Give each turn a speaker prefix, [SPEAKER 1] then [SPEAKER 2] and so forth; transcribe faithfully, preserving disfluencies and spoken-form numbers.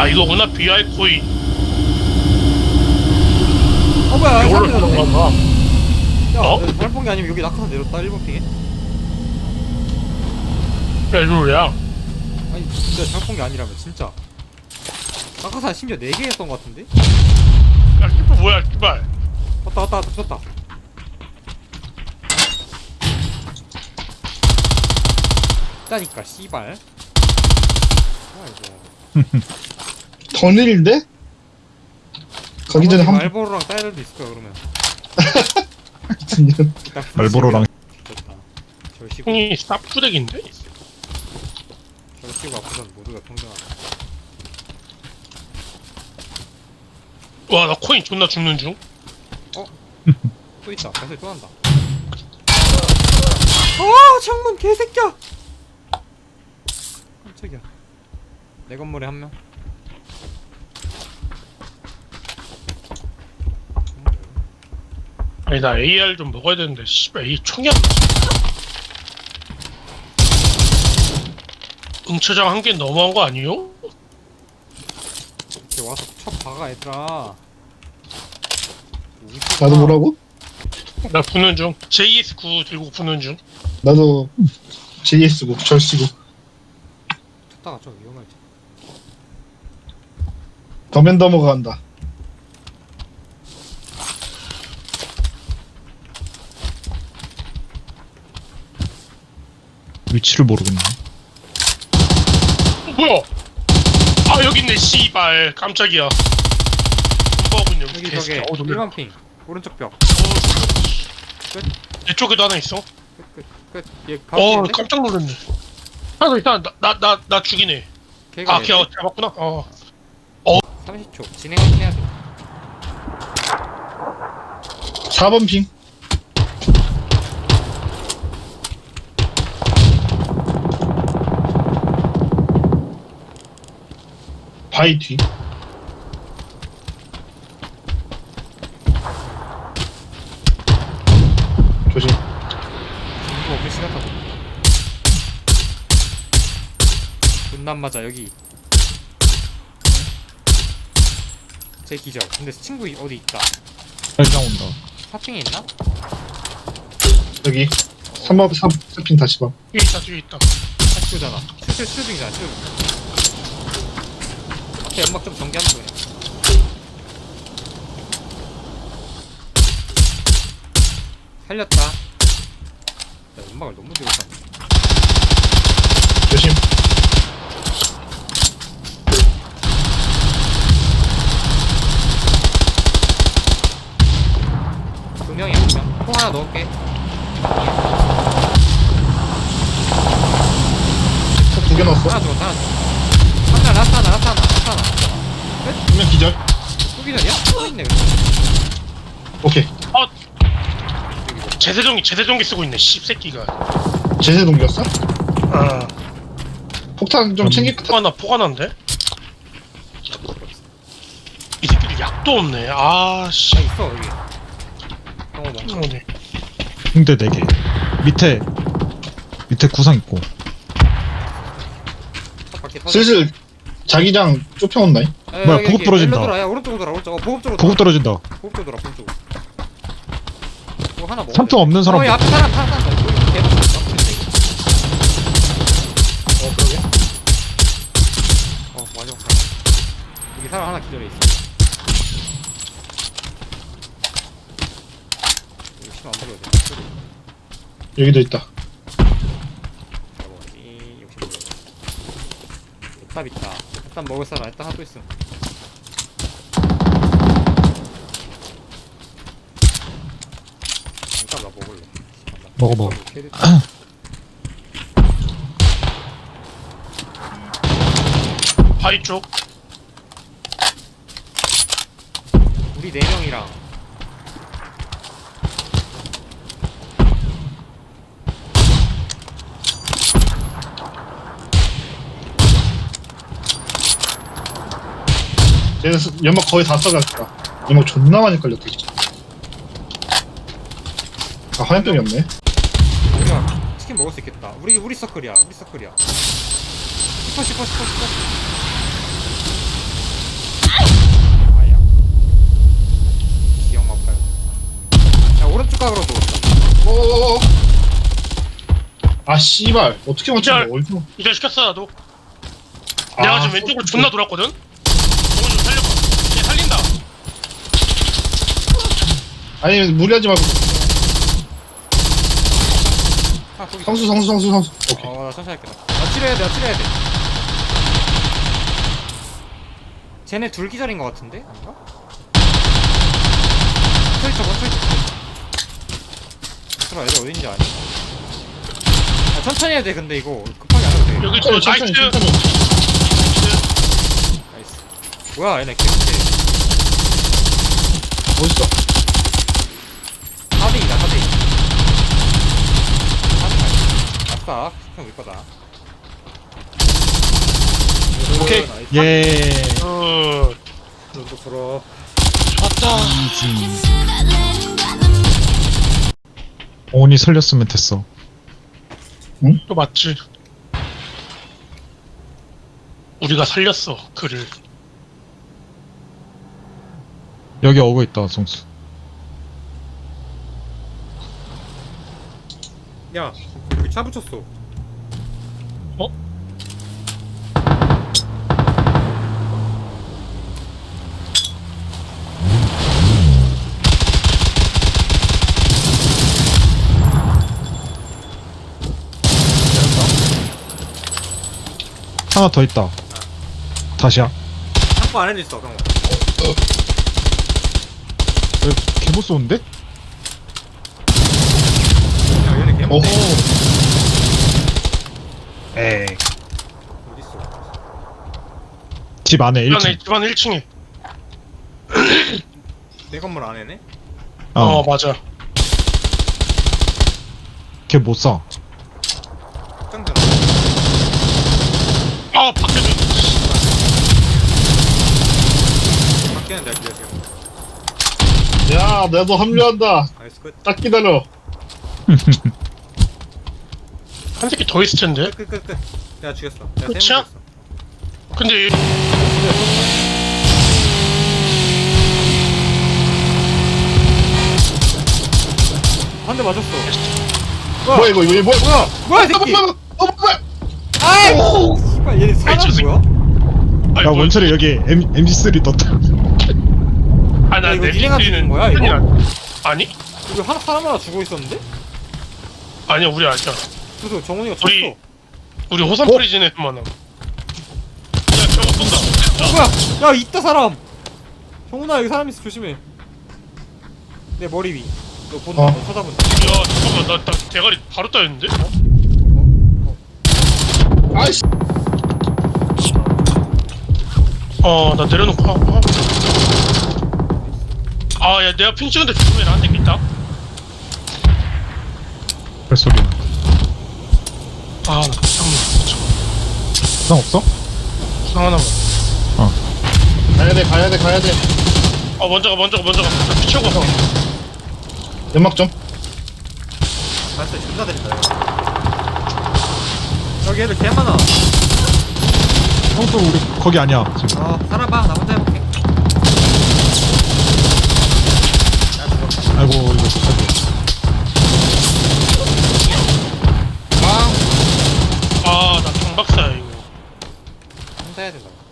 [SPEAKER 1] 아 이거구나 비아이 코인.
[SPEAKER 2] 어 뭐야
[SPEAKER 1] 이걸로
[SPEAKER 2] 사람
[SPEAKER 1] 들어간
[SPEAKER 2] 내렸네.
[SPEAKER 1] 거야.
[SPEAKER 2] 야
[SPEAKER 1] 어?
[SPEAKER 2] 내가 잘못 본게 아니면 여기 낙하산 내렸다 일 번 핑에.
[SPEAKER 1] 야 이거야.
[SPEAKER 2] 아니 진짜 잘못 본게 아니라면 진짜 낙하산 심지어 네 개 했던 거 같은데?
[SPEAKER 1] 야 키프 뭐야 씨발.
[SPEAKER 2] 왔다 왔다 왔다 붙었다. 짜니까 씨발. 뭐야 이거.
[SPEAKER 3] 더 느린데? 가기 전에 한
[SPEAKER 2] 말보로랑 딸들도 있을 거야 그러면.
[SPEAKER 3] 번.
[SPEAKER 2] 일단
[SPEAKER 4] 말보로랑
[SPEAKER 2] 됐다. 절시고
[SPEAKER 1] 형이 쌉주렉인데?
[SPEAKER 2] 절시고 앞으로는 모두가 평등하다.
[SPEAKER 1] 와 나 코인 존나 죽는 중.
[SPEAKER 2] 또 있다. 발소리 또 난다. 아 창문 개새끼야. 깜짝이야. 내 건물에 한 명.
[SPEAKER 1] 아니 나 에이알 좀 먹어야 되는데 씨발 이 총이 안 맞아. 응처장 한 개 너무한 거 아니요?
[SPEAKER 2] 이렇게 와서 쳐 박아 얘들아.
[SPEAKER 3] 나도 뭐라고?
[SPEAKER 1] 나 부는 중. 제이에스 구 들고 부는 중.
[SPEAKER 3] 나도 제이에스고 절시고
[SPEAKER 2] 쳤다가 좀 위험할지.
[SPEAKER 3] 더맨더머가 간다.
[SPEAKER 4] 위치를 모르겠네.
[SPEAKER 1] 어, 뭐야? 아 여기 있네 씨발 깜짝이야. 군법은 여기
[SPEAKER 2] 여기
[SPEAKER 1] 개새끼야.
[SPEAKER 2] 저게
[SPEAKER 1] 어 놀래.
[SPEAKER 2] 일 번 핑 오른쪽 벽.
[SPEAKER 1] 내 쪽에도 하나 있어.
[SPEAKER 2] 끝. 얘
[SPEAKER 1] 어
[SPEAKER 2] 가운데
[SPEAKER 1] 깜짝 놀랐네. 하나 더 있다. 나 나 나 죽이네.
[SPEAKER 2] 걔가
[SPEAKER 1] 아 걔 잡았구나. 어.
[SPEAKER 2] 삼십 초 진행하긴 해야 돼.
[SPEAKER 3] 사 번 핑. 바위 뒤. 조심.
[SPEAKER 2] 이거 없을 시간 타고. 분남 맞아 여기. 제 기절. 근데 친구 어디 있다.
[SPEAKER 4] 살짝 온다.
[SPEAKER 2] 사핑에 있나?
[SPEAKER 3] 여기 삼 번 삼 핑 다시 봐.
[SPEAKER 1] 뒤에 있다 뒤에 있다.
[SPEAKER 2] 사핑잖아. 슈슈 슈빙이잖아 슈. 앞에 연막 좀 전개하면 돼 그냥. 살렸다. 야, 연막을 너무 들고 갔네.
[SPEAKER 3] 조심.
[SPEAKER 2] 두 명이야 두 명. 통 하나 넣을게.
[SPEAKER 3] 두 개 넣었어.
[SPEAKER 2] 하나 들어왔다 하나 들어왔다. 하나 라스트 하나 라스트 하나 라스트 하나 라스트 하나.
[SPEAKER 3] 두 명 기절.
[SPEAKER 2] 또 기절이야? 또 있네 그래.
[SPEAKER 3] 오케이.
[SPEAKER 1] 제세종기 제세종기 쓰고 있네 씹새끼가.
[SPEAKER 3] 제세 동기였어?
[SPEAKER 1] 아
[SPEAKER 3] 폭탄 좀
[SPEAKER 4] 음.
[SPEAKER 3] 챙길 것 같아.
[SPEAKER 1] 포가나 포가난데? 이 새끼들 약도 없네. 아씨.
[SPEAKER 2] 아 있어 여기. 형어 멍청.
[SPEAKER 1] 어디?
[SPEAKER 4] 붕대 네 개. 밑에 밑에 구상 있고.
[SPEAKER 2] 첫 바퀴 터져.
[SPEAKER 3] 슬슬 자기장 좁혀온다.
[SPEAKER 2] 야,
[SPEAKER 4] 뭐야,
[SPEAKER 2] 여기,
[SPEAKER 4] 보급
[SPEAKER 2] 여기
[SPEAKER 4] 떨어진다.
[SPEAKER 2] 일로 돌아. 야 오른쪽으로 돌아 오른쪽. 어 보급 쪽으로
[SPEAKER 4] 보급
[SPEAKER 2] 돌아.
[SPEAKER 4] 떨어진다.
[SPEAKER 2] 보급 쪽으로 돌아 보급 쪽으로. 이거 하나 먹어.
[SPEAKER 4] 삼 등 없는 사람.
[SPEAKER 2] 어, 야, 앞에 사람, 사람, 사람. 이거 개박 났다. 어, 그러게. 어, 마지막 사람. 여기 사람 하나 기절해 있어. 이거 심안 먹어야 돼. 소리.
[SPEAKER 3] 여기도 있다.
[SPEAKER 2] 먹어야지. 역시 먹어야 돼. 탑 있다. 탑 먹을 사람 일단 하나 또 있음. 탑 나 먹을래.
[SPEAKER 4] 먹어, 먹어.
[SPEAKER 2] 캐리-
[SPEAKER 1] 바위 쪽.
[SPEAKER 2] 우리 네 명이랑
[SPEAKER 3] 얘는 스- 연막 거의 다 써갔다. 연막 존나 많이 걸렸다 진짜. 아 화염병이 없네.
[SPEAKER 2] 우리가 치킨 먹을 수 있겠다. 우리 우리 서클이야. 우리 서클이야. 슈퍼 슈퍼 슈퍼 슈퍼. 뚝각으로 누웠다.
[SPEAKER 3] 오오오. 아 씨발 어떻게 맞춘
[SPEAKER 1] 이절.
[SPEAKER 3] 거야? 어디서?
[SPEAKER 1] 이절 시켰어 나도.
[SPEAKER 3] 아,
[SPEAKER 1] 내가 지금 왼쪽으로 존나 돌았거든. 정훈 좀 살려봐. 얘 살린다.
[SPEAKER 3] 아니 무리하지 말고.
[SPEAKER 2] 아, 거기.
[SPEAKER 3] 성수 성수 성수 성수. 오케이.
[SPEAKER 2] 어, 나 천천히 할게. 나. 나 치료해야 돼, 나 치료해야 돼. 쟤네 둘 기절인 것 같은데? 아닌가? 트위터, 뭐 트위터. 들어, 애들 어딘지 아니? 아, 천천히 해야 돼, 근데 이거. 급하게 안 해도 돼.
[SPEAKER 1] 여기 저
[SPEAKER 3] 천천히
[SPEAKER 1] 나이스.
[SPEAKER 3] 천천히 천천히.
[SPEAKER 2] 나이스. 뭐야, 얘네 개못해.
[SPEAKER 3] 멋있어.
[SPEAKER 2] 사 대이다, 사 대이. 사 대이. 아싸, 스평 우리 거다.
[SPEAKER 3] 오케이.
[SPEAKER 2] 나이스.
[SPEAKER 4] 예.
[SPEAKER 1] 어.
[SPEAKER 2] 눈도 부러.
[SPEAKER 1] 좋았다.
[SPEAKER 4] 오니 살렸으면 됐어.
[SPEAKER 1] 또 맞지. 우리가 살렸어 그를.
[SPEAKER 4] 여기 어그 있다, 성수.
[SPEAKER 2] 야, 여기 차 붙였어.
[SPEAKER 1] 어?
[SPEAKER 4] 하나 더 있다. 다시야.
[SPEAKER 2] 창고 안에도 있어, 경호.
[SPEAKER 4] 여기 개못 쏘는데?
[SPEAKER 2] 야, 얘네 개못.
[SPEAKER 3] 오호.
[SPEAKER 4] 에이.
[SPEAKER 2] 어딨어?
[SPEAKER 4] 집 안에 일 층.
[SPEAKER 1] 집안에 집안 일 층에.
[SPEAKER 2] 내 건물 안에네?
[SPEAKER 1] 어,
[SPEAKER 4] 어,
[SPEAKER 1] 맞아.
[SPEAKER 4] 걔 못 쏴.
[SPEAKER 2] 확장되나?
[SPEAKER 1] 아 밖에도.
[SPEAKER 2] 밖에는 내가 기다려.
[SPEAKER 3] 야 나도 합류한다.
[SPEAKER 2] 나이스 끝.
[SPEAKER 3] 딱 기다려.
[SPEAKER 1] 한 새끼 더 있을 텐데.
[SPEAKER 2] 끝, 끝, 끝, 끝. 내가 죽였어. 내가
[SPEAKER 1] 끝이야?
[SPEAKER 2] 세 명 죽였어.
[SPEAKER 1] 근데
[SPEAKER 2] 한 대 맞았어.
[SPEAKER 3] 뭐야 이거 이거 뭐야 뭐야?
[SPEAKER 2] 뭐야, 이 새끼!
[SPEAKER 3] 어 뭐야?
[SPEAKER 2] 아이! 씨발, 얘네
[SPEAKER 1] 아이, 저
[SPEAKER 2] 사람
[SPEAKER 1] 새끼.
[SPEAKER 2] 뭐야?
[SPEAKER 1] 아니,
[SPEAKER 4] 야,
[SPEAKER 1] 뭐-
[SPEAKER 4] 원철이 여기 M, 엠지쓰리 떴다.
[SPEAKER 1] 아, 나
[SPEAKER 2] 야, 이거
[SPEAKER 1] 내
[SPEAKER 2] 니네가
[SPEAKER 1] 밑에는
[SPEAKER 2] 죽인 거야, 이거?
[SPEAKER 1] 큰일 나- 아니?
[SPEAKER 2] 이거 하나, 사람 하나 죽어 있었는데?
[SPEAKER 1] 아니야 우리 아니야.
[SPEAKER 2] 그래서 정훈이가 쳤어.
[SPEAKER 1] 우리 우리 호산 프리즌에서만 함. 야 저거 쏜다. 야,
[SPEAKER 2] 뭐야? 야, 있다, 사람! 정훈아, 여기 사람 있어, 조심해. 내 머리 위. 너 본다,
[SPEAKER 3] 어.
[SPEAKER 2] 너 쳐다본다.
[SPEAKER 1] 야 잠깐만 나, 나 대가리 바로 따였는데?
[SPEAKER 3] 아이씨.
[SPEAKER 1] 어나 내려놓고 하고. 아야 내가 핑 찍은데 조심해 나한테 있다.
[SPEAKER 4] 발소리.
[SPEAKER 1] 아나 잠깐만.
[SPEAKER 4] 부상 없어?
[SPEAKER 1] 부상 하나만.
[SPEAKER 3] 가야 돼 가야 돼 가야 돼.
[SPEAKER 1] 어 먼저 가 먼저 가 먼저 가. 나 피치고 가.
[SPEAKER 3] 연막 좀.
[SPEAKER 2] 발소리 존나 들린다, 이거. 여기 애들 개 많아.
[SPEAKER 4] 성수 우리 거기 아니야, 지금.
[SPEAKER 2] 어, 살아봐. 나 혼자 해볼게. 야, 죽었다.
[SPEAKER 4] 아이고, 이거 어떡하지?
[SPEAKER 1] 아나 강박사야 이거.
[SPEAKER 2] 혼자 해야 된다.